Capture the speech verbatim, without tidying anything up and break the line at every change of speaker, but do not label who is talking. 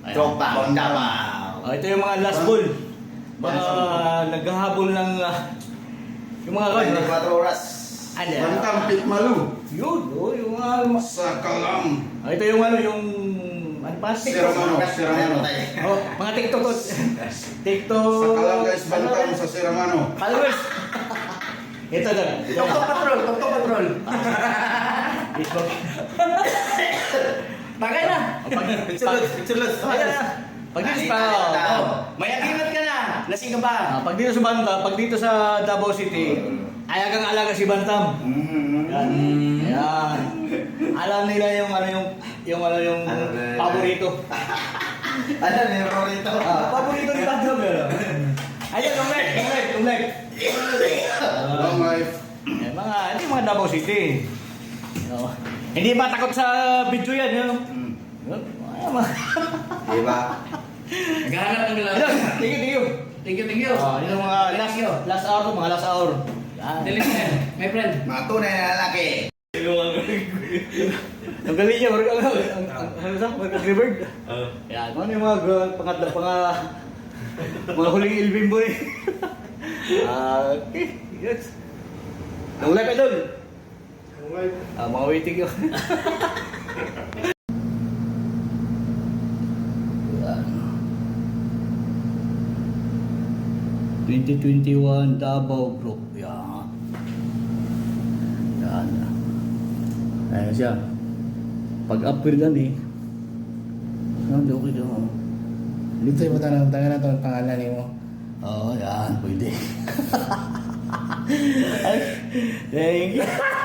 Tropa, tama.
Oh, ito yung mga last ball. Mga naghahabol ng ah, yung mga guard.
twenty-four oras.
Ano?
Bantang Pitmalu.
Yun, oh, yung mga
Sa Kalam.
oh, ito yung ano, yung ano pa?
Sira Mano, Sira Mano.
Oh, mga TikTok. TikTok.
Sa Kalam guys, bantang sa Siramano.
Followers. Ito na.
Tok-tok patrol, tok-tok patrol.
Facebook.
Bagay na.
Pag,
Picture-los, picture-los.
Ayan na. Pag dito sa
Oh, may agimat ka na. Lasing ka ba?
ah, pag dito sa Bantam, pag dito sa Davao City, ayagang alaga si Bantam. Yan. Yan. Alam nila yung ano yung yung ano yung
Ano na-
paborito.
Ano, meron rito.
Ah, paborito ni Bantam yun. Ayan, long leg, long leg, long leg.
Long life.
Eh, mga, hindi mga Davao City. No. Hindi ba takot sa video yan, yun? Yun. Ay, mga...
Diba?
Naghahanap ng
Ayun,
lang.
thank you, thank you.
Thank you, thank you.
Ah, yun ang mga last, last hour, mga last hour. Yan.
Dilis na yan, my friend.
Mga tunay na lalaki.
Ang galing niya, marag ang ang ang ano sa Marag Bird. Yan, ano yung mga g- pangatlo mga mga huling ilbimbo eh. Ah, okay, yes. Long life idol.
Long life.
Ah, mga waiting yun. twenty twenty-one Davao Group. Yan. Yan. Ayan siya. Pag-upgrade lang eh. Ano, okay daw.
Dito yung tanong, tangan na ito ang pangalan mo.
Oo, yan. Pwede. Ay, thank you.